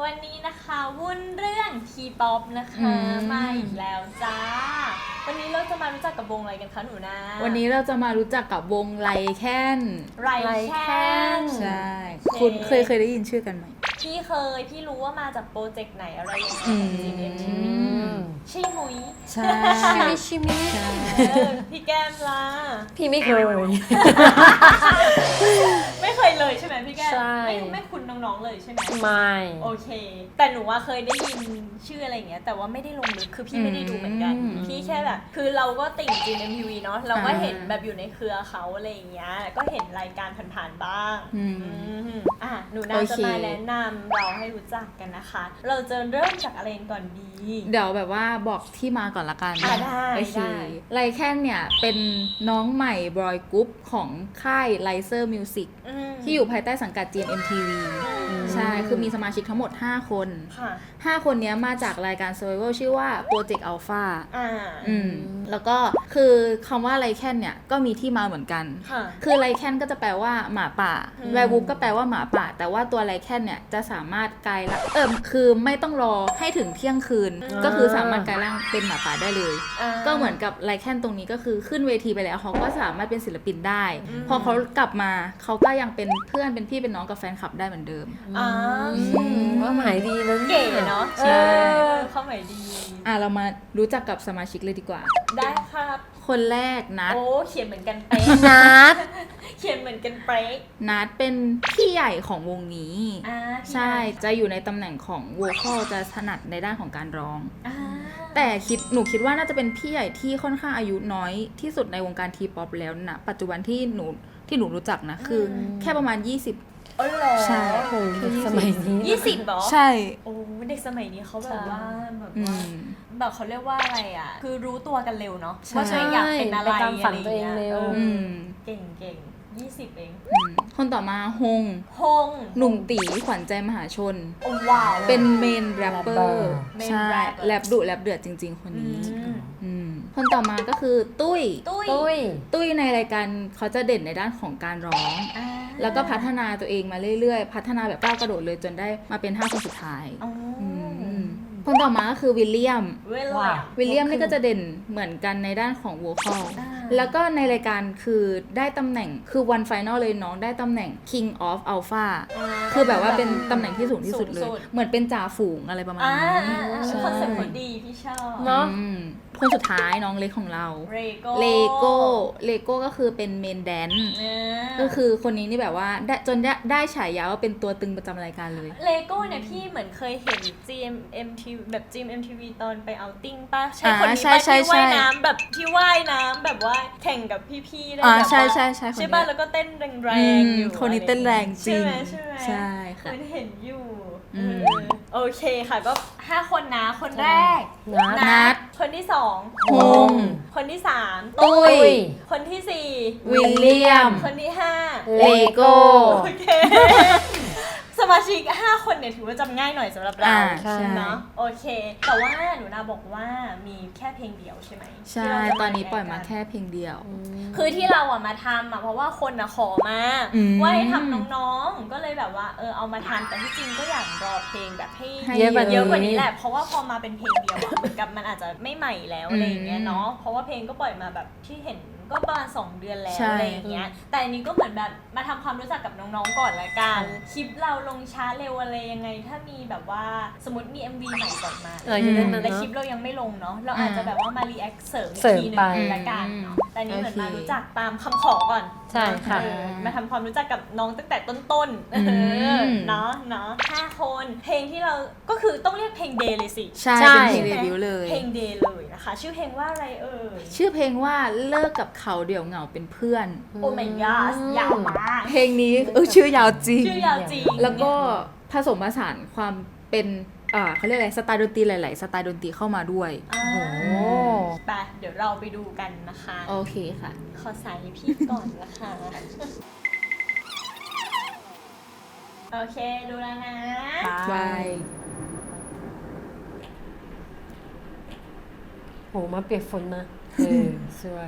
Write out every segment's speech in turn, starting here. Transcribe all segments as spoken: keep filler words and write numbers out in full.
วันนี้นะคะวุ่นเรื่องทีป๊อปนะคะมาอีกแล้วจ้าวันนี้เราจะมารู้จักกับวงอะไรกันคะหนูนาวันนี้เราจะมารู้จักกับวงไลแคนไรแคนใช่คุณเคยเคยได้ยินชื่อกันไหมพี่เคยพี่รู้ว่ามาจากโปรเจกต์ไหนอะไรยังไงจีเอ็มทีวีชิมุยใช่ชิมิชิมิพี่แก้มล่ะพี่ไม่เคยไม่เคยเลยใช่ไหมพี่แก้มไม่ไม่คุ้นน้องๆเลยใช่ไหมไม่โอเคแต่หนูว่าเคยได้ยินชื่ออะไรอย่างเงี้ยแต่ว่าไม่ได้ลงลึกคือพี่ไม่ได้ดูเหมือนกันพี่แค่แบบคือเราก็ติ่ง จี เอ็ม ที วี เนาะเราก็เห็นแบบอยู่ในเครือเขาอะไรอย่างเงี้ยก็เห็นรายการผ่านๆบ้างอ่ะหนูน่าจะมาแนะนำเราให้รู้จักกันนะคะเราจะเริ่มจากอะไรก่อนดีเดี๋ยวแบบว่าบอกที่มาก่อนละกันอ่ะได้โอเคไลแคนเนี่ยเป็นน้องใหม่บอยกรุ๊ปของค่ายไลเซอร์มิวสิกที่อยู่ภายใต้สังกัด จี เอ็ม ที วี ใช่คือมีสมาชิกทั้งหมดห้าคนห้าคนนี้มาจากรายการ Survival ชื่อว่า Project Alpha อ่าอืมแล้วก็คือคำว่าไลแคนเนี่ยก็มีที่มาเหมือนกันคือไลแคนก็จะแปลว่าหมาป่าแวร์วูฟก็แปลว่าหมาป่าแต่ว่าตัวไลแคนเนี่ยจะสามารถกลายร่างเออคือไม่ต้องรอให้ถึงเที่ยงคืนก็คือสามารถกลายร่างเป็นหมาป่าได้เลยก็เหมือนกับไลแคนตรงนี้ก็คือขึ้นเวทีไปแล้วเขาก็สามารถเป็นศิลปินได้พอเขากลับมาเขาก็ยังเป็นเพื่อนเป็นพี่เป็นน้องกับแฟนคลับได้เหมือนเดิมอ๋อว่าหมายดีนะเก๋เนาะใช่เข้าหมายดีอ่ะเรามารู้จักกับสมาชิกเลยดีกว่าได้ครับคนแรกนัทโอ้เขียนเหมือนกันเป๊ะนัทเขียนเหมือนกันเป๊ะนัทเป็นพี่ใหญ่ของวงนี้ใช่จะอยู่ในตำแหน่งของโวคอลจะถนัดในด้านของการร้องแต่คิดหนูคิดว่าน่าจะเป็นพี่ใหญ่ที่ค่อนข้างอายุน้อยที่สุดในวงการทีป๊อปแล้วนะปัจจุบันที่หนูที่หนูรู้จักนะคือแค่ประมาณยี่สิบอ๋อเหรอใช่สมัยนี้ยี่สิบเหรอใช่โอ้เด็กสมัยนี้เขาแบบว่าแบบว่าแบบเขาเรียกว่าอะไรอ่ะคือรู้ตัวกันเร็วเนาะว่าตัวเองอยากเป็นอะไรตามฝันตัวเองเร็วเก่งเก่งยี่สิบเองคนต่อมาฮงฮงหนุ่มตีขวัญใจมหาชนว้าวเป็นเมนแรปเปอร์ใช่แรปดุแรปเดือดจริงๆคนนี้คนต่อมาก็คือตุ้ยตุ้ยตุ้ยในรายการเขาจะเด่นในด้านของการร้องแล้วก็พัฒนาตัวเองมาเรื่อยๆพัฒนาแบบก้าวกระโดดเลยจนได้มาเป็นห้าคนสุดท้ายคนต่อมาก็คือวิลเลียมวิลเลียมนี่ก็จะเด่นเหมือนกันในด้านของโวคอลแล้วก็ในรายการคือได้ตำแหน่งคือวันไฟนอลเลยน้องได้ตำแหน่ง King of Alpha คือแบบว่าเป็นตำแหน่งที่สูงที่สุดเลยเหมือนเป็นจ่าฝูงอะไรประมาณนี้คอนเซ็ปต์คนดีพี่ชอบเนาะคนสุดท้ายน้องเล็กของเราเลโก้เลโก้ก็คือเป็นเมนแดนก็คือคนนี้นี่แบบว่าได้จนได้ได้ฉายาว่าเป็นตัวตึงประจำรายการเลยเลโก้เนี่ยพี่เหมือนเคยเห็น จี เอ็ม เอ็ม ที วี แบบ จี เอ็ม ที วี ตอนไปเอาติ้งป่ะใช่คนนี้ป่ะที่ว่ายน้ำแบบที่ว่ายน้ำแบบว่าแข่งกับพี่ๆได้แบบว่าใช่ใช่ใช่ใช่ป่ะแล้วก็เต้นแรงๆอยู่คนนี้เต้นแรงจริงใช่ไหมใช่ค่ะเห็นอยู่โอเคค่ะก็ห้าคนนะคนแรกนัทคนที่สองฮงคนที่สามตุ้ยคนที่สี่วิลเลียมคนที่ห้าเลโก้โอเคสมาชิกห้าคนเนี่ยถือว่าจำง่ายหน่อยสำหรับเราเนาะโอเคแต่ว่าหนูนาบอกว่ามีแค่เพลงเดียวใช่ไหมใช่ตอนนี้ปล่อยมาแค่เพลงเดียวคือที่เราอ่ะมาทำอ่ะเพราะว่าคนอ่ะขอมาว่าให้ทำน้องๆก็เลยแบบว่าเออเอามาทำแต่ที่จริงก็อยากรอเพลงแบบให้เยอะกว่านี้แหละเพราะว่าพอมาเป็นเพลงเดียวอ่ะเหมือนกับมันอาจจะไม่ใหม่แล้วอะไรอย่างเงี้ยเนาะเพราะว่าเพลงก็ปล่อยมาแบบที่เห็นก็ประมาณสองเดือนแล้วอะไรอย่างเงี้ยแต่อันนี้ก็เหมือนแบบมาทำความรู้จักกับน้องๆก่อนละกันคลิปเราลงช้าเร็วอะไรยังไงถ้ามีแบบว่าสมมติมี เอ็ม วี ใหม่ก่อนมาแต่คลิปเรายังไม่ลงเนาะเราอาจจะแบบว่ามารีแอคเสริมอีกทีนึงละกันเนาะแต่นี้เหมือนมารู้จักตามคำขอก่อนใช่ค่ะมาทำความรู้จักกับน้องตั้งแต่ต้นๆเนาะเนาะห้าคนเพลงที่เราก็คือต้องเรียกเพลงเดย์เลยสิใช่เป็นเพลงเดบิวต์เลยเพลงเดย์เลยนะคะชื่อเพลงว่าอะไรเอ่ยชื่อเพลงว่าเลิกกับเขาเดี่ยวเหงาเป็นเพื่อนโอ้ my god ยาวมากเพลงนี้เออชื่อยาวจริงชื่อยาวจริงแล้วก็ผสมผสานความเป็นอ่าเขาเรียกอะไรสไตล์ดนตรีหลายๆสไตล์ดนตรีเข้ามาด้วยโอ้ไปเดี๋ยวเราไปดูกันนะคะโอเคค่ะขอสายพี่ก่อนนะคะโอเคดูแล้วนะบายโหมาเปียกฝนมาเออสวย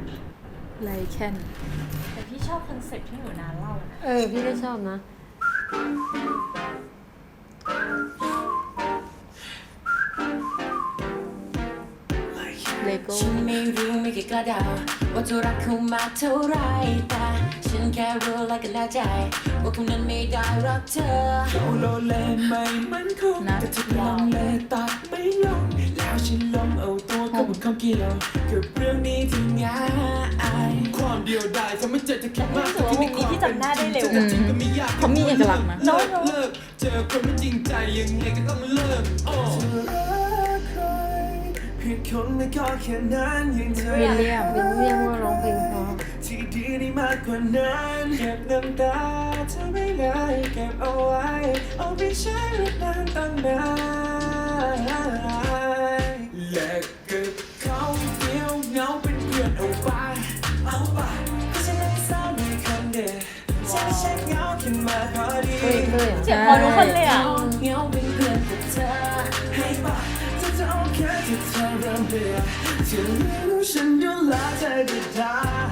ไลแคนแต่พี่ชอบคอนเซ็ปต์ที่หนูนาเล่านะเออพี่ก็ชอบนะเลโก้ฉันไม่รู้ไม่เคยกล้าเดาว่าเธอรักเขามากเท่าไรแต่ฉันแค่รู้และก็แน่ใจว่าเขานั้นไม่ได้รักเธอเขาโลเลไม่มั่นคงนะแต่เธอลังเลตัดไม่ลงแล้วฉันลองเอาตัวเข้ามาข้องเกี่ยวกับเรื่องนี้ที่ง่ายความเดียวดายทำให้เจอจะคิดมากรู้สึกว่ามุมนี้ที่จำหน้าได้เร็วแต่จริงก็ไม่ยากเขามีเอกลักษณ์นะเลิกเลิกเจอคนไม่จริงใจยังไงก็ต้องเลิกโอ้เธอรักใครเพียงคนไม่ก็แค่นั้นยังเธอวิลเลียมวิลเลียมก็ร้องเพลงเพราะที่ดีได้มากกว่านั้นเก็บน้ำตาเธอไม่ได้เก็บเอาไว้เอาไปใช้เวลานตั้งนานและเก็บเขาเดียวเหงาเป็นเพื่อนเอาไปเอาไปก็ฉันไม่เศร้าในคนเดียวฉันไม่ใช่เหงาขึ้นมาพอดีเฮ้ยเฮ้ยเจ็บพอทุกคนเลยอ่ะเหงาเป็นเพื่อนกับเธอให้ไปเธอจะโอเคที่เธอเริ่มเบื่อเธอรู้ฉันดูแลเธอได้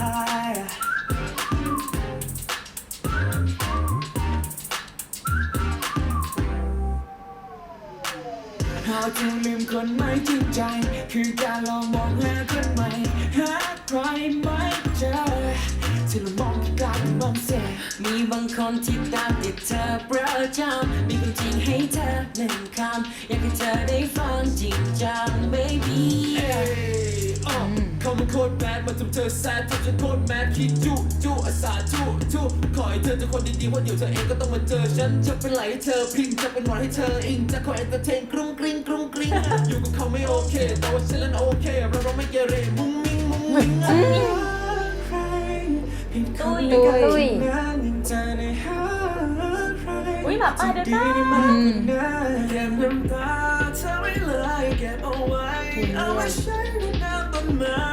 เราจะลืมคนไม่จริงใจ คือการลองมองหาคนใหม่หาใครไม่เจอที่เรามองที่กลายเป็นมองเสียมีบางคนที่ตามติดเธอประจำมีความจริงให้เธอหนึ่งคำอยากให้เธอได้ฟังจริงจัง baby เอ้ยอ้อเขามันโคตรแบดมาทำเธอแซดทำฉันโคตรแมดคิดจุจุอาสาจุจุขอให้เธอเจอคนดีๆว่าเดี๋ยวเธอเองก็ต้องมาเจอฉันจะเป็นไหลให้เธอพิงจะเป็นหวานให้เธออิงจะคอยเอนเตอร์เทนกรุ้งกริ้งกรุ้งกริ้งอยู่กับเขาไม่โอเคแต่ว่าฉันนั้นโอเคเราเราไม่เกเรมุ้งมิ้งมุ้งมิ้งใครผิดคนไม่กันจริงนะยิ่งเธอในหาใครอุ๊ยหมาป่าเดินได้ดีมากกว่านั้นเก็บน้ำตาเธอไว้เลยเก็บเอาไว้เอาไว้ใช้ในน้ำต้นไม้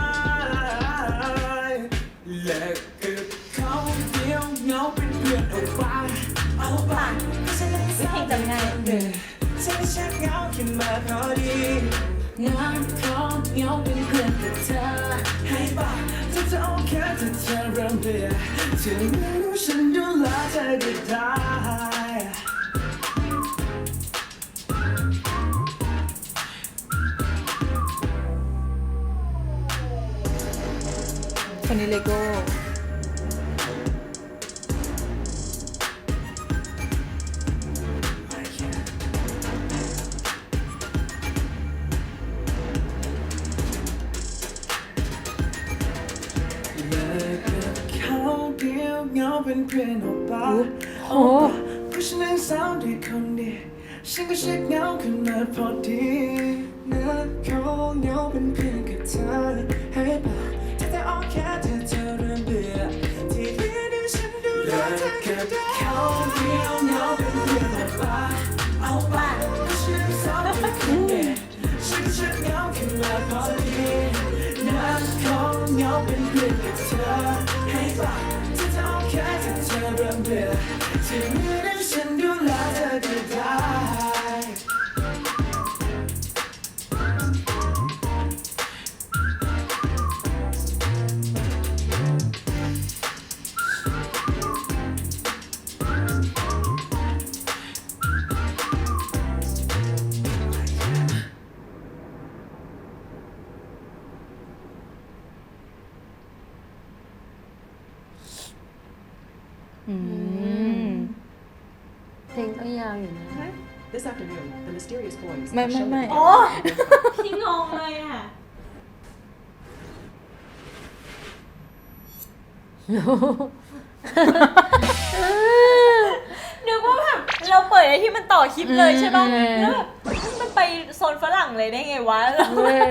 และเก็บเขาเดียวเหงาเป็นเพื่อนเอาไปเอาไปฉันไม่เศร้าเพลงจำง่ายฉันไม่ใช่เหงาขึ้นมาพอดีงานเขาเหงาเป็นเพื่อนกับเธอให้ไปเธอจะโอเคถ้าเธอเริ่มเบื่อเธอไม่รู้ฉันดูแลเธอได้คนนี้เลโก้เลิกกับเขาเดียวเหงาเป็นเพื่อนออกไปโอ้เพราะฉันนั้นเศร้าด้วยคนเดียวฉันก็เช็คเหงาขึ้นมาพอดีเลิกเขาเหงาเป็นเพื่อนกับเธอให้บอกเธอจะโอเคถ้าเธอเริ่มเบื่อที่เหลือเดี๋ยวฉันดูแลเธอกับเขาเดียวเหงาเป็นเพื่อนออกไปเอาไปเพราะฉันนั้นเศร้าด้วยคนเดียวฉันก็เช็คเหงาขึ้นมาพอดีเลิกเขาเหงาเป็นเพื่อนกับเธอให้บอกเธอจะโอเคถ้าเธอเริ่มเบื่อที่เหลือเดี๋ยวฉันดูแลเธอได้อืมเพลงก็ยาวอยู่นะ This afternoon, the mysterious boys ไม่ have ไม่ shown ไม่ that โอ้ที่งงเลยอ่ะ นึกว่าแบบเราเปิดไอ้ที่มันต่อคลิปเลยใช่ป่ะอืมแล้วแบบมันไปโซนฝรั่งเลยได้ไงวะแล้วเว้ย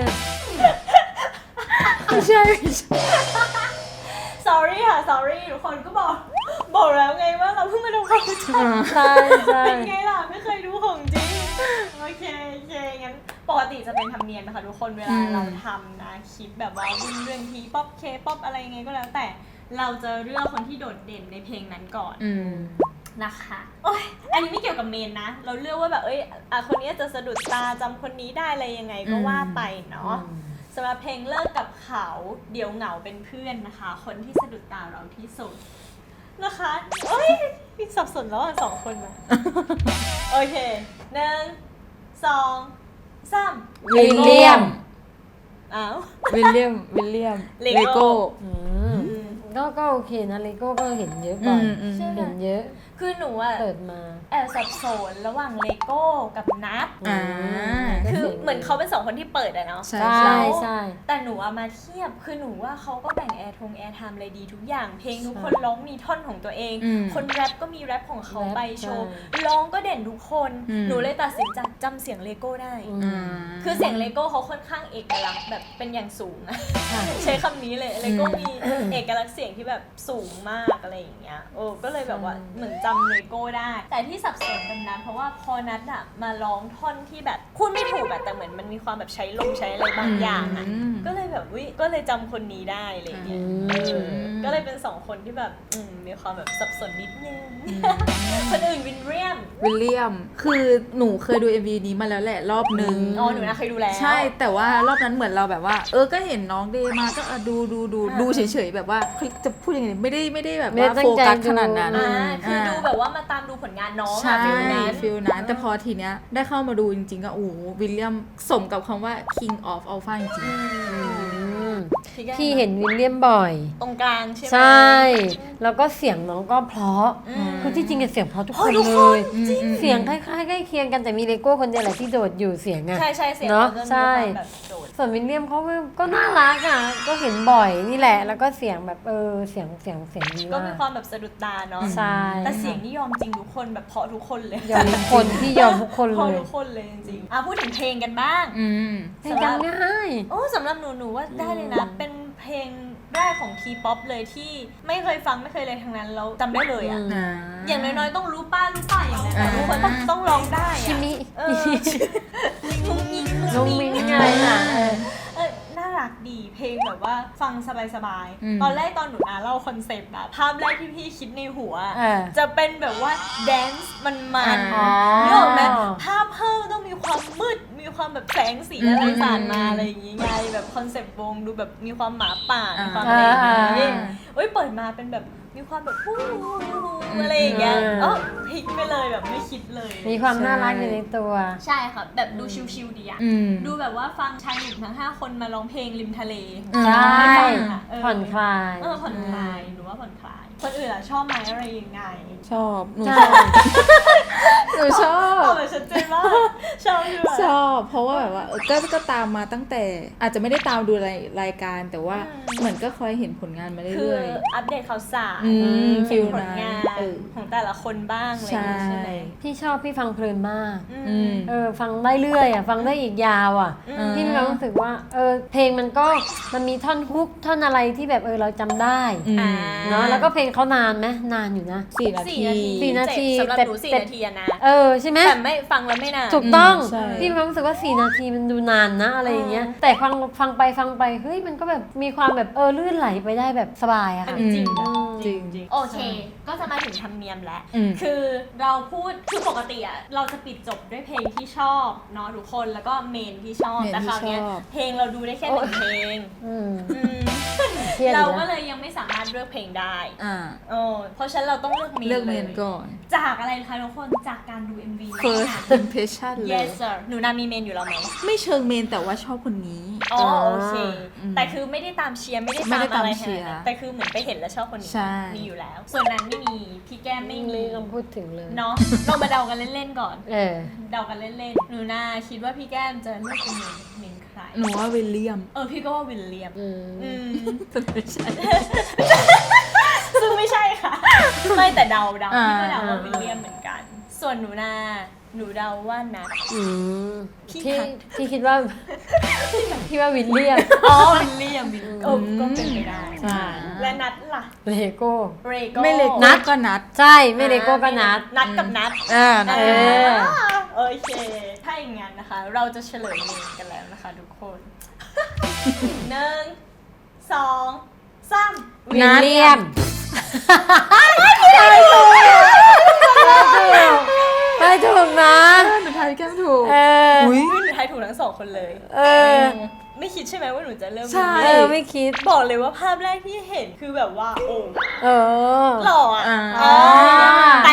ไม่ใช่ไม่ใช่ sorry ค่ะ sorry ทุกคนก็บอก บอกแล้วไงว่าเราเพิ่งมาดูความรู้จักใช่ใช่เป็นไงล่ะ ไม่เคยดูของจริง โอเคโอเคงั้นปกติจะเป็นธรรมเนียมนะคะทุกคนเวลาเราทำนะคลิปแบบว่าวิ่งเรื่องทีป๊อปเคป๊อปอะไรไงก็แล้วแต่เราจะเลือกคนที่โดดเด่นในเพลงนั้นก่อนอืมนะคะโอ้ยอันนี้ไม่เกี่ยวกับเมนนะ เราเลือกว่าแบบเอ้ยอ่ะคนนี้จะสะดุดตาจำคนนี้ได้อะไรยังไงก็ว่าไปเนาะสำหรับเพลงเลิกกับเขาเดี๋ยวเหงาเป็นเพื่อนนะคะ คนที่สะดุดตาเราที่สุดนะคะเอ้ยพี่สับสนแล้วอ่ะสองคนอะโอเคหนึ่งสองสามวิลเลียมอ้าววิลเลียมวิลเลียมเลเลโก้โก้อืมก็ก็โอเคนะเลโก้ก็เห็นเยอะบ่อยอืมอืมเห็นเยอะคือหนูอะเปิดมาแอบสับสนระหว่างเลโก้กับนัทอ่าคือเหมือนเขาเป็นสองคนที่เปิดอะเนาะใช่ใช่ใช่แต่หนูเอามาเทียบ คือหนูว่าเขาก็แบ่งแอร์ทงแอร์ไทม์อะไรดีทุกอย่าง เพลงทุกคนร้องมีท่อนของตัวเองอืมคนแรปก็มีแรปของเขาแรปไปโชว์ใช่ร้องก็เด่นทุกคนอืมหนูเลยตัดสินใจจำเสียงเลโก้ได้อือืมมคือเสียงเลโก้เขาค่อนข้างเอกลักษณ์แบบเป็นอย่างสูงอะค่ะใช้คำนี้เลย เลโก้อืมมีเอกลักษณ์เสียงที่แบบสูงมากอะไรอย่างเงี้ย โอ้ก็เลยแบบว่าเหมือนจำเลโก้ได้ แต่ที่สับสนกันนัทเพราะว่าพอนัทอะมาร้องท่อนที่แบบพูดไม่ถูกอะแต่เหมือนมันมีความแบบใช้ลมใช้อะไรบางอย่างอะอืมก็เลยแบบวิก็เลยจำคนนี้ได้อะไรอย่างเงี้ยอืมเออก็เลยเป็นสองคนที่แบบอืมมีความแบบสับสนนิดนึง คนอื่นวินเรียมวิลเลียม คือหนูเคยดู เอ็ม วี นี้มาแล้วแหละรอบนึงอ๋อหนูนะเคยดูแล้วใช่แต่ว่ารอบนั้นเหมือนเราแบบว่า เออก็เห็นน้องเดย์มาก็อ่ะดูดูดูอ่าดูเฉยๆแบบว่าเฮ้ยจะพูดยังไงไม่ได้ไม่ได้แบบไม่ได้ว่าตั้โฟงใจกัสดูขนาดนั้นอ่าคือดูแบบาว่ามาตามดูผลงานน้องใช่อะฟิลนั้นฟิลนั้นแต่พอทีเนี้ยได้เข้ามาดูจริงๆก็โอ้โหวิลเลียมสมกับคำว่า king of alpha จริงอืมอืมพี่แก้มพี่เห็นวิลเลียมบ่อยตรงกลางใช่ไหมใช่ แล้วก็เสียงน้องก็เพราะอืมคือที่จริงอะเสียงเพราะทุกโอ้คนทุกเลคนยจริงเสียงคล้ายๆใกล้เคียงกันแต่มีเลโก้คนเดียวแหละที่โดดอยู่เสียงอะใช่ใช่เสียงเนอะขจมีใช่ความแบบโดดส่วนวิลเลียมเขาก็ก็น่ารักอ่ะ ก็เห็นบ่อยนี่แหละ แล้วก็เสียงแบบเออเสียงเสียงเสียงดีก็มามีกความแบบสะดุดตาเนาะใช่แต่เสียงนี่ยอมจริงทุกคนแบบเพราะทุกคนเลยยอมทุกคนที่ยอมทุกคนเพเลราะยทุกคนเลยจริงๆอ่ะพูดถึงเพลงกันบ้างๆอืมเพลงกันง่ายโอ้สำหรับหนูหนูว่าได้เลยนะ เป็นเพลงแรกของทีป๊อปเลยที่ไม่เคยฟังไม่เคยเลยทั้งนั้นแล้วจำได้เลยอ่ะอ่าอย่างน้อยๆต้องรู้ป้ารู้ป้าอย่างนั้นอ่าทุกคนต้องต้องร้องได้คิอ่ะมิเออมุ้งมิ้งน้องมิ้งไงน่ะเออเออน่ารักดีเพลงแบบว่าฟังสบายอืมๆ ตอนแรกตอนหนูนาเล่าคอนเซปต์อะภาพแรกที่พี่คิดในหัวอะเออจะเป็นแบบว่าแดนซ์มันมันอ๋อนึกออกไหมภาพเพิ่มต้องมีความมืดมีความแบบแสงสีอะไรสาดมาอะไรอย่างงี้ไงแบบคอนเซปต์วงดูแบบมีความหมาป่ามีความอะไรอย่างงี้อ่าเอ้ยเปิดมาเป็นแบบมีความแบบฮู้อะไรอย่างเงี้ยอืมเอ้าพลิกไปเลยแบบไม่คิดเลยมีความน่ารักอยู่ในตัวใช่ค่ะแบบดูชิลๆดีอะอืมดูแบบว่าฟังชายหนุ่มทั้งห้าคนมาร้องเพลงริมทะเลอืมใช่เออผ่อนคลายเออผ่อนคลายหนูว่าผ่อนคลาย คนอื่นอะชอบไหมอะไรยังไงชอบหนูใช่ชอบหนูชอบเอาเลยชัดเจนมากชอบด้วยชอบเพราะว่าแบบว่าเออก็ก็ตามมาตั้งแต่ อาจจะไม่ได้ตามดูรายรายการ แต่ว่าเหมือนก็คอยเห็นผลงานมาคือเรื่อยอัปเดตข่าวสารอืมเห็นผฟิลลนั้นงานเออของแต่ละคนบ้างอะไรอใช่ย่างงี้ใช่ไหมพี่ชอบพี่ฟังเพลินมากอือืมมเออฟังได้เรื่อยอ่ะฟังได้อีกยาวอ่ะอืมพี่มีความรู้สึกว่าเออเพลงมันก็มันมีท่อนฮุกท่อนอะไรที่แบบเออเราจำได้อืมอ่าเนาะแล้วก็เพลงเขานานไหมนานอยู่นะสี่นาสี่ทีนาทีสี่นาทีสำหรับแต่หนูสี่แต่นาทีอะนะเออใช่ไหมแต่ไม่ฟังแล้วไม่นานถูกต้องอืมใช่พี่มีความรู้สึกว่าสี่นาทีมันดูนานนะอะไรอย่างเงี้ยแต่ฟังฟังไปฟังไปเฮ้ยมันก็แบบมีความแบบเออลื่นไหลไปได้แบบสบายอะอันค่ะนี้จริงนะอืมจริงโอเค ก็จะมาถึงธรรมเนียมแล้วอืมคือเราพูด คือปกติอะเราจะปิดจบด้วยเพลงที่ชอบเนาะทุกคน แล้วก็เมนที่ชอบเมนแต่คราวเนี้ยที่ชอบเพลงเราดูได้แค่หนึ่งเพลงอืมอืมเครียดอเรายู่ก็นะเลยยังไม่สามารถเลือกเพลงได้อ่าเออเพราะฉะนั้นเราต้องเลือกเมนเลือกเมนลยก่อนจากอะไรคะทุกคน จากการดู เอ็ม วี first impression เลย yes sir หนูนามีเมนอยู่แล้วไหมไม่เชิงเมนแต่ว่าชอบคนนี้อ๋อโอเคอืมแต่คือไม่ได้ตามเชียร์ไม่ได้ไม่ตามได้อะตามไรเชีขนาดยร์นั้นแต่คือเหมือนไปเห็นแล้วชอบคนนี้ใช่มีอยู่แล้ว ส่วนนั้นไม่มีพี่แก้มไม่มีไม่ต้องพูดถึงเลยเนาะเรามาเดากันเล่นๆก่อนเออเดากันเล่นๆ หนูนาคิดว่าพี่แก้มจะเลือกเป็นเมนเมนใครหนูว่าวิลเลียมเออพี่ก็ว่าวิลเลียมอืมอืมไม่ใช่ซึ่งไม่ใช่ค่ะ ไม่แต่เดาเดาอ่าพี่ก็เดาว่าวิลเลียมเหมือนกัน ส่วนหนูนาหนูเดาว่านัทอืมพี่ที่ทักที่คิดว่า ที่ว่าวิลเลียมอ๋อวิลเลียมวิลเออก็เป็นไปได้ใช่และนัทล่ะเลโก้เรโก้ไม่เล็กนันัดดก็นัดใช่ไม่เลโก้ก็นัดนัดกับนัดอ่าเออโอเค ถ้าอย่างงั้นนะคะ เราจะเฉลยเมนกันแล้วนะคะทุกคน หนึ่งสองสามวิลเลียมไปถูกนะหนูทายแก้มถูกเอออุ้ยหนูทายถูกทั้งสองคนเลยเออไม่คิดใช่ไหมว่าหนูจะเริ่มใช่เออไม่คิดบอกเลยว่าภาพแรกที่เห็นคือแบบว่า โอ้เออหล่ออ่ะอ่าอ๋อแต่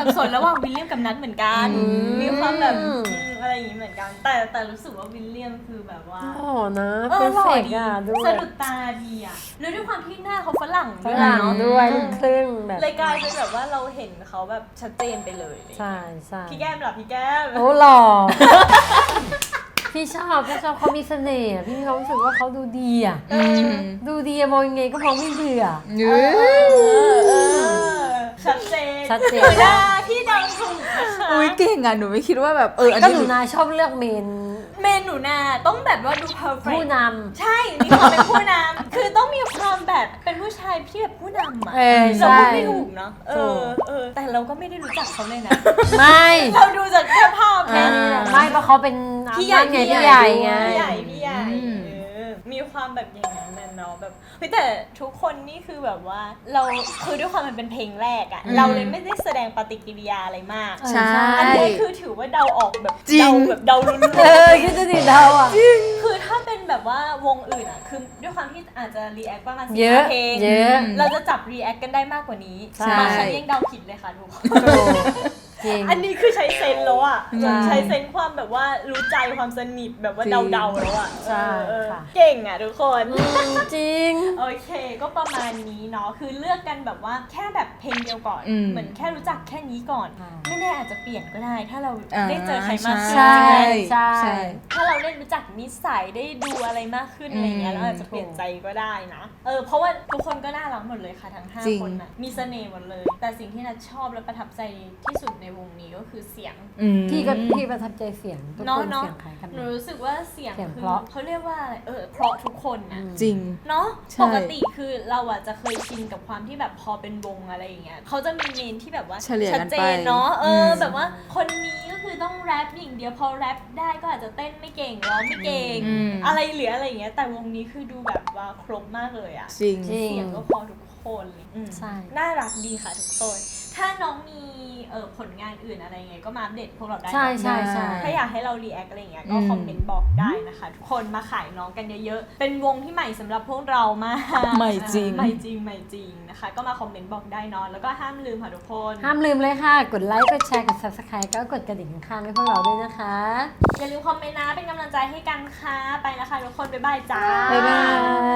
สนระหว่างวิลเลียมกับนัทเหมือนกันมีความแบบอืมอะไรอย่างนี้เหมือนกัน แต่แต่รู้สึกว่าวิลเลียมคือแบบว่าโอ้นะเอเพออร์หล่อเฟกดีอ่ะด้วสะยดุดตาดีอ่ะแล้วด้วยความที่หน้าเขาฝรั่งฝด้วยรั่งเนาะด้วยลูกครึ่งแบบเลยกลายเป็นแบบว่าเราเห็นเขาแบบชัดเจนไปเลยใช่ใช่พี่แก้มเหรอพี่แก้มโอ้หล่อ พี่ชอบพี่ชอบเขามีเสน่ห์อะพี่มีความรู้สึกว่าเขาดูดีอ่ะอืมดูดีอะมองยังไงก็มองไม่เบื่อเนื้อเออชัดเจนชัดเจนหนูนาพี่เดาถูกนะคะอุ้ยเก่งอ่ะหนูไม่คิดว่าแบบเอออันก็นี้หนูนาชอบเลือกเมนเมนหนูนาต้องแบบว่าดู perfect ผู้นใช่ มีความเป็นผู้นำ คือต้องมีความแบบเป็นผู้ชายที่แบบผู้นำอ่ะเออเราใช่พูดไม่ถูกเนาะ เอถูอก เออ แต่เราก็ไม่ได้รู้จักเขาเลยนะำไม่เราดูจากแค่ภาพแค่นี้แหละไม่เพราะเขาเป็นพี่ใหญ่ไงพี่พี่ใหใหญ่ญ่ไงพี่ใหญ่พี่ใหญ่อืมเออมีความแบบอย่างนั้นน่ะเนาะแบบเฮ้ยแต่ทุกคนนี่คือแบบว่าเราคือด้วยความมันเป็นเพลงแรกอะเราเลยไม่ได้แสดงปฏิกิริยาอะไรมากใช่อันนี้คือถือว่าเดาออกแบบจริงเดาแบบเดาลุ้นเออคิดดูดิเราอ่ะคือถ้าเป็นแบบว่าวงอื่นอะคือด้วยความที่อาจจะรีแอคประมาณสิบเยอะเพลงเยอะเราจะจับรีแอคกันได้มากกว่านี้ใช่บางครั้งยังเดาผิดเลยค่ะทุกคนจริงอันนี้คือใช้เซนส์แล้วอะใช่ใช้เซนส์ความแบบว่ารู้ใจความสนิทแบบว่าจริงเดาๆแล้วอะใช่เออค่ะเก่งอะทุกคนอืมจริงโอเค ก็ประมาณนี้เนาะ คือเลือกกันแบบว่าแค่แบบเพลงเดียวก่อนอืมเหมือนแค่รู้จักแค่นี้ก่อนอ่าไม่แน่อาจจะเปลี่ยนก็ได้ ถ้าเราอ่าได้เจอใครมากขึ้นใช่จริงไหมใช่ใช่ถ้าเราได้รู้จักนิสัยได้ดูอะไรมากขึ้นอะไรเงี้ยอืมเราอาจจะเปลี่ยนใจก็ได้นะ เออ เพราะว่าทุกคนก็น่ารักหมดเลยค่ะทั้งห้าจริงคนน่ะ มีเสน่ห์หมดเลย แต่สิ่งที่นัทชอบและประทับใจที่สุดในวงนี้ก็คือเสียงอืมพี่ก็พี่ประทับใจเสียงทุกเนาะคนเนาะเสียงคล้ายกันหนูรู้สึกว่าเสียงเสียงคือเพราะเขาเรียกว่าอะไรเออเพราะทุกคนนะจริงเนาะใช่ปกติคือเราอะจะเคยชินกับความที่แบบพอเป็นวงอะไรอย่างเงี้ยเขาจะมีเมนที่แบบว่าเฉลี่ยชัดกันเจไปนเนาะเอออมแบบว่าคนนี้ก็คือต้องแรปอย่างเดียวพอแรปได้ก็อาจจะเต้นไม่เก่งร้องไม่เก่งอืมอะไรเหลืออะไรอย่างเงี้ยแต่วงนี้คือดูแบบว่าครบมากเลยอะจริงจริงเสียงก็พอทุกคนเลยอืมใช่น่ารักดีค่ะทุกคนถ้าน้องมีเออผลงานอื่นอะไรไงก็มาอัปเดตพวกเราได้นะใช่ใช่ใช่ถ้าอยากให้เรารีแอคอะไรอย่างเงี้ยก็อืมคอมเมนต์บอกได้นะคะ ทุกคนมาขายน้องกันเยอะๆ เป็นวงที่ใหม่สำหรับพวกเรามากใหม่จริงใหม่จริงใหม่จริงนะคะ ก็มาคอมเมนต์บอกได้เนอะแล้วก็ห้ามลืมค่ะทุกคนห้ามลืมเลยค่ะ กดไลค์ กดแชร์ กด subscribe ก็กดกระดิ่งข้างๆให้พวกเราด้วยนะคะอย่าลืมคอมเมนต์นะเป็นกำลังใจให้กันค่ะไปแล้วค่ะทุกคนบ๊ายบายจ้าบ๊ายบาย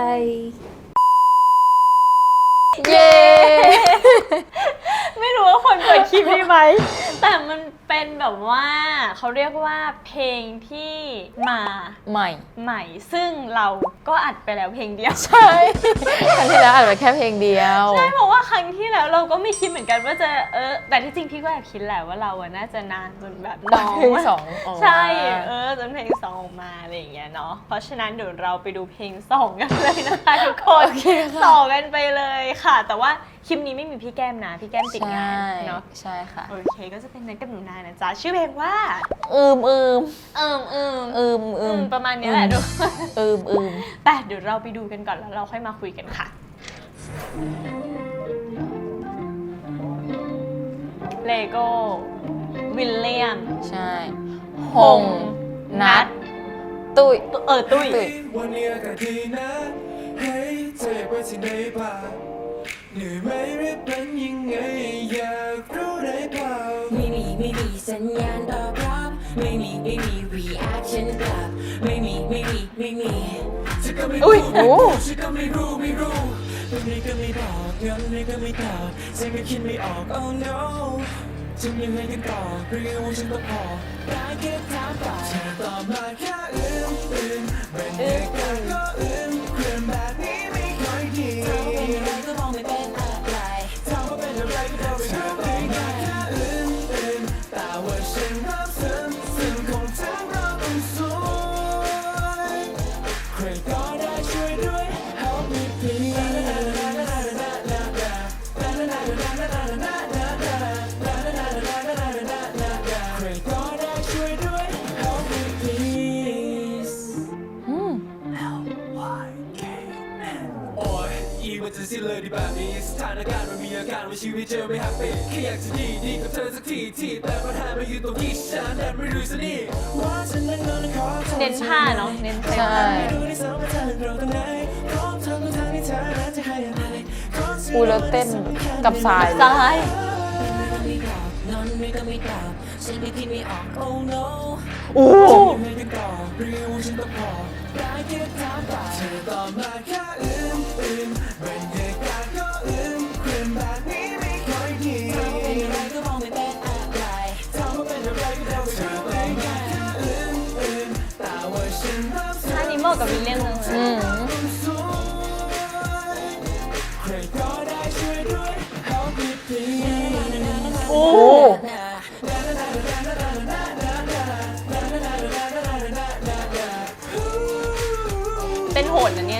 เย้ ไม่รู้ว่าคนเปิดคลิปนี้ไหม แต่มันเป็นแบบว่าเขาเรียกว่าเพลงที่มาใหม่ใหม่ ซึ่งเราก็อัดไปแล้วเพลงเดียวใช่ครั้งที่แล้วอัดไปแค่เพลงเดียวใช่เพราะว่าครั้งที่แล้วเราก็ไม่คิดเหมือนกันว่าจะเออแต่ที่จริงพี่ก็แอบคิดแหละว่าเราอะน่าจะนานจนแบบน้องเพลงสองออกมาใช่เออจนเพลงสองออกมาอะไรอย่างเงี้ยเนาะเพราะฉะนั้นเดี๋ยวเราไปดูเพลงสองกันเลยนะคะทุกคนต่อกันไปเลยค่ะ แต่ว่าคลิปนี้ไม่มีพี่แก้มนะพี่แก้มติดงานเนาะใช่ค่ะโอเคก็จะเป็นนันกับหนูนานะจ๊ะชื่อเพลงว่าอืมอืมเอิมเอิมอืมอือืมมประมาณนี้แหละทุกคนอืมอืมไปเดี๋ยวเราไปดูกันก่อนแล้วเราค่อยมาคุยกันค่ะเลโก้วิลเลียมใช่หงนัดตุ้ยเออตุ้ยตุ้ยวันนี้อากาศดีนะ เฮ้ยเธออยากไปที่ไหนบ้างเหนื่อยไหมหรือเป็นยังไงอยากรู้ได้เปล่าไม่มีไม่มีสัญญาณตอบรับไม่มีไม่มี reaction กลับไม่มีไม่มีไม่มีฉันก็ไม่อุ้ยรู้โอ้ฉันก็ไม่รู้ไม่รู้วันนี้ก็ไม่บอกงั้นนี้ก็ไม่ตอบฉันก็คิดไม่ออก oh no ทำยังไงกันต่อเรื่องว่าฉันต้องพอได้แค่ถามไปเธอตอบมาแค่อืมอืมเป็นเหตุการณ์ก็อืมเคลื่อนแบบนี้ไม่ค่อยดีเธอเป็นอะไรก็มองไม่เป็นอะไรถามว่าเป็นอะไรก็บอกไปเธอได้แค่อืมอืมแต่ว่าฉันรับซึ้งซึ้งของเธอเราต้องสวยใครก็ได้ช่วยด้วย help me please ใครก็ได้ช่วยด้วย help me please โอ้ยอีมันจะสิ้นเลยดีแบบนี้สถานการณ์มันมีอาการว่าชีวิตเจอไม่แฮปปี้แค่อยากจะดีดีกับเธอสักทีที่แต่ปัญหามันอยู่ตรงที่ฉันแอบไม่รู้สินี่ว่าฉันนั้นนอนขอโทษเน้นผ้าเนาะเน้นเพลงใช่ไม่รู้ที่สองว่าเธอเราตรงไหนพร้อมทำทุกทางที่เธอนั้นจะให้อะไรอูแล้วเต้นกับสายซ้ายไม่บอกนอนเปล่าฉันไม่คิดไม่ออก oh no โอ้ไม่ได้ตอบเรียวฉันต้องพอได้แค่ถามไปเธอตอบมาแค่อืมอืมบรรยากาศก็อืมครึมแบบนี้ไม่ค่อยดีเธอเป็นอะไรก็มองไม่เป็นอะไรถามว่าเป็นอะไรก็เดาเธอเป็นแค่อืมอืมแต่ว่าฉันรักเธออันนี้เหมาะกับวิลเลียมเลยอืมสวยใครก็ได้ช่วยด้วย help me please โอ้ เต้นโหดนะเนี่ย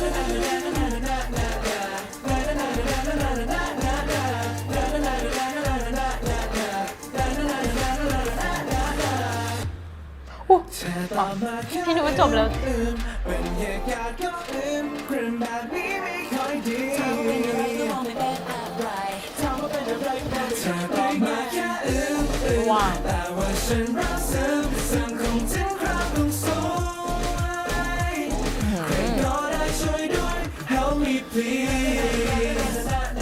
พี่นึกว่าจบแล้วบรรยากาศก็อืมครึมแบบนี้ไม่ค่อยดีเธอเป็นอะไรก็มองไม่เป็นอะไรถามว่าเป็นอะไรก็เธอตอบมาแค่อืมอืมว้าวแต่ว่าฉันรักซึมซึมคงถึงคราวต้องสวยใครก็ได้ช่วยด้วย help me please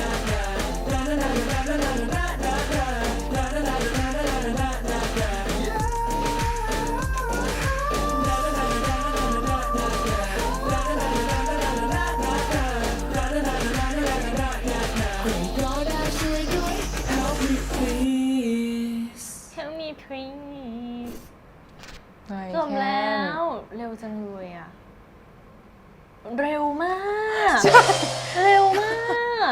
เทลมีพริ้งจบแล้ว เร็วจังเลยอ่ะ เร็วมาก เร็วมาก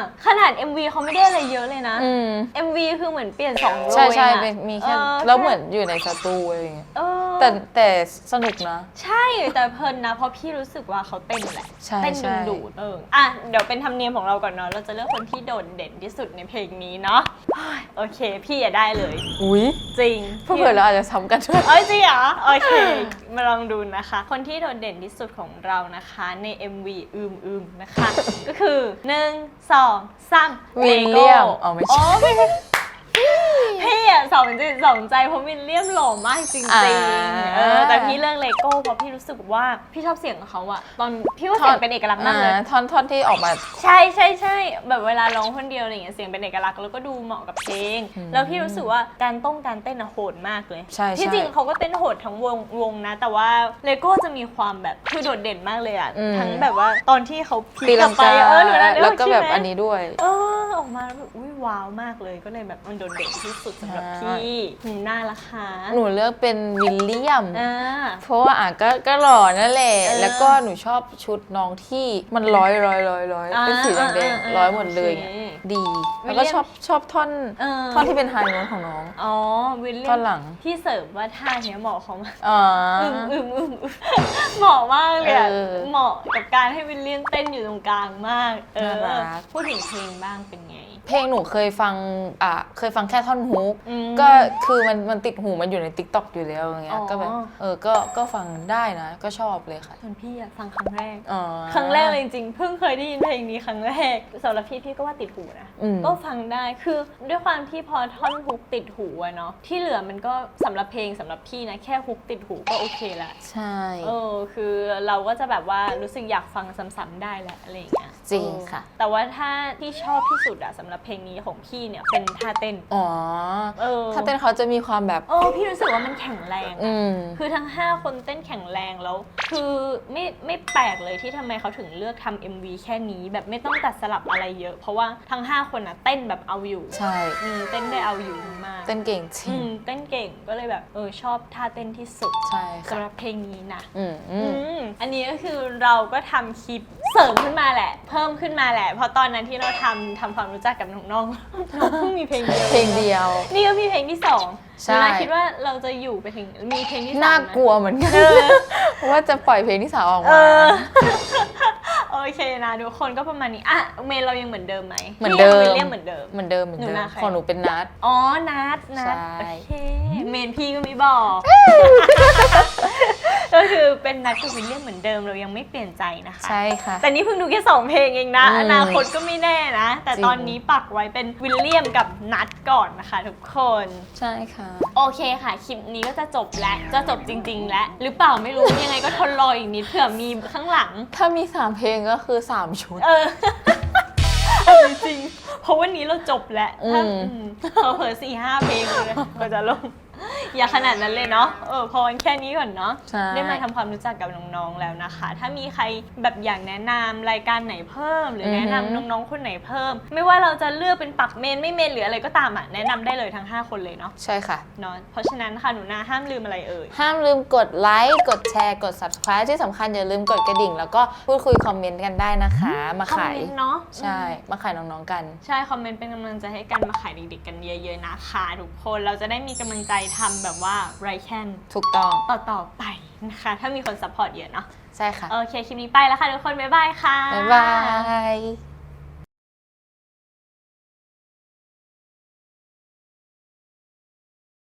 ขนาด เอ็ม วี เขาไม่ได้อะไรเยอะเลยนะอืมเอ็ม วี คือเหมือนเปลี่ยนสองโรใช่ใช่เองอะเป็นมีแค่ออแล้วเหมือนอยู่ในสตูอะไรอย่างเงี้ยเออแต่แต่สนุกนะใช่แต่เพลินนะ เพราะพี่รู้สึกว่าเขาเต้นแหละใช่เต้นใช่ดึงดูดเอออ่ะเดี๋ยวเป็นธรรมเนียมของเราก่อนเนาะเราจะเลือกคนที่โดดเด่นที่สุดในเพลงนี้เนาะเฮ้ยโอเค พี่อย่าได้เลยอุ้ยจริงเพื่อเราอาจจะซ้ำกันด้วยเอ้ยจริงเหรอโอเค มาลองดูนะคะ คนที่โดดเด่นที่สุดของเรานะคะใน เอ็ม วี อืมอืมนะคะ ก็คือหนึ่งสองสามวิลเลียมอ๋อไม่ใช่อ๋อไม่ใช่พี่อะสองจิตสองใจเพราะวิลเลียมหล่อมากจริงอ่าๆเออแต่พี่เลือกเลโก้เพราะพี่รู้สึกว่าพี่ชอบเสียงของเขาอะตอนพี่ว่าเสียงเป็นเอกลักษณ์มากเลยอ่ท่อนท่อนที่ออกมาใช่ใช่ใช่แบบเวลาร้องคนเดียวอะไรอย่างเงี้ยเสียงเป็นเอกลักษณ์แล้วก็ดูเหมาะกับเพลง แล้วพี่รู้สึกว่าการต้องการเต้นอะโหดมากเลยใช่ที่ใช่จริงเขาก็เต้นโหดทั้งวงวงนะ แต่ว่าเลโก้จะมีความแบบคือโดดเด่นมากเลยอะอืมทั้งแบบว่าตอนที่เขาพลิตีกกลัลับงไปกาเออหนูนะแล้วก็แบบใช่ไหมอันนี้ด้วยเออออกมาแล้วแบบอุ้ยว้าวมากเลยก็เลยแบบมันโดดเด่นที่สุดสำหรับใช่พี่หนูน่าละคะหนูเลือกเป็นวิลเลียมอ่าเพราะว่าอ่ะก็ก็หล่อนั่นแหละเออแล้วก็หนูชอบชุดน้องที่มันร้อยร้อยร้อยร้อยอ่าเป็นสีแดงอ่าอ่าๆร้อยหมดเลยโอเคเงี้ยดีวิแล้วลเลีก็ยมชอบชอบท่อนเออท่อนที่เป็นไฮโน้ตของน้องอ๋อวิลเลียท่อมนหลังพี่เสิร์ฟว่าท่าเนี้ยเหมาะเขามากอ๋ออึมอึมอึมอึมเหมาะมากเลยอะเออเหมาะกับการให้วิลเลียมเต้นอยู่ตรงกลางมาก เออน่ารักพูดถึงเพลงบ้างเป็นไงเพลงหนูเคยฟังอ่ะเคยฟังแค่ท่อนฮุกอืมก็คือมันมันติดหูมันอยู่ใน ติ๊กต็อก อยู่แล้วอย่างเงี้อ๋ยอก็แบบเออก็ก็ฟังได้นะ ก็ชอบเลยค่ะส่วนพี่อะฟังครั้งแรกอ๋อครั้งแรกเลยจริงๆ เพิ่งเคยได้ยินเพลงนี้ครั้งแรกสำหรับพี่พี่ก็ว่าติดหูนะอืมก็ฟังได้ คือด้วยความที่พอท่อนฮุกติดหูอะเนาะ ที่เหลือมันก็สำหรับเพลงสำหรับพี่นะ แค่ฮุกติดหูก็โอเคละใช่เออ คือเราก็จะแบบว่ารู้สึกอยากฟังซ้ำๆได้แหละอะไรอย่างเงี้ยจริงค่ะเออแต่ว่าถ้าที่ชอบที่สุดอะสำหรับเพลงนี้ของพี่เนี่ยเป็นท่าเต้นอ๋อเออถ้าเต้นเขาจะมีความแบบเออพี่รู้สึกว่ามันแข็งแรงอะอืมคือทั้งห้าคนเต้นแข็งแรงแล้ว คือไม่ไม่แปลกเลยที่ทำไมเขาถึงเลือกทำ เอ็ม วี แค่นี้แบบไม่ต้องตัดสลับอะไรเยอะ เพราะว่าทั้งห้าคนอะเต้นแบบเอาอยู่ใช่อืมเต้นได้เอาอยู่มากเต้นเก่งจริอืงมเต้นเก่งก็เลยแบบเออชอบท่าเต้นที่สุดใช่ค่ะสำหรับเพลงนี้นะอืมอือืมมอันนี้ก็คือเราก็ทำคลิปเสริมขึ้นมาแหละ เพิ่มขึ้นมาแหละ เพราะตอนนั้นที่เราทำทำความรู้จักกับน้องๆ น้องเพิ่งมีเพลงเดียวเพลงเดียวนี่ก็มีเพลงที่สองใช่หนูนะคิดว่าเราจะอยู่ไปถึงมีเพลงที่สามน่าไหมกลัวเหมือนกันว่าจะปล่อยเพลงที่สามออกเอมาอ โอเคนะทุกคนก็ประมาณนี้อ่ะเมนเรายังเหมือนเดิมไหมเหมือนเดิมพี่ยังวิลเลียมเหมือนเดิมเหมือนเดิมเหมือนเดิหนูมนาใครของหนูเป็นนัดอ๋อนัดนัดใช่โอเคเมนพี่ก็ไม่บอก ก็คือเป็นนัดกับวิลเลียมเหมือนเดิมเรายังไม่เปลี่ยนใจนะคะใช่ค่ะแต่นี่เพิ่งดูแค่สองเพลงเองนะอืมอนาคตก็ไม่แน่นะ แต่จริงตอนนี้ปักไว้เป็นวิลเลียมกับนัดก่อนนะคะทุกคนใช่ค่ะโอเคค่ะ คลิปนี้ก็จะจบแล้ว จะจบจริง ๆ แล้ว หรือเปล่าไม่รู้ ยังไงก็ทนรออีกนิดเผื่อมีข้างหลังถ้ามีสามเพลงก็คือสามชุดเออจริงเพราะวันนี้เราจบแล้วถ้าเราเผลอสี่ห้าเพลงเลยก็จะลงอย่าขนาดนั้นเลยเนาะเออพอแค่นี้ก่อนเนาะได้มาทำความรู้จักกับน้องๆแล้วนะคะถ้ามีใครแบบอยากแนะนำรายการไหนเพิ่มหรือแนะนำน้องๆคนไหนเพิ่มไม่ว่าเราจะเลือกเป็นปักเมนไม่เมนหรืออะไรก็ตามอ่ะแนะนำได้เลยทั้งห้าคนเลยเนาะใช่ค่ะเนาะเพราะฉะนั้นค่ะหนูนาห้ามลืมอะไรเอ่ยห้ามลืมกดไลค์กดแชร์กด subscribe ที่สำคัญอย่าลืมกดกระดิ่ง แล้วก็พูดคุยคอมเมนต์กันได้นะคะ มาคอมขายเมนต์เนาะใช่มาขายน้องๆกันใช่คอมเมนต์เป็นกำลังใจให้กันมาขายเด็กๆกันเยอะๆนะคะทุกคนเราจะได้มีกำลังใจทำแบบว่าไรแคนถูกต้องต่อๆไปนะคะถ้ามีคนซัพพอร์ตเยอะเนาะใช่ค่ะโอเคคลิปนี้ไปแล้วค่ะทุกคนบ๊ายบายค่ะบ๊ายบาย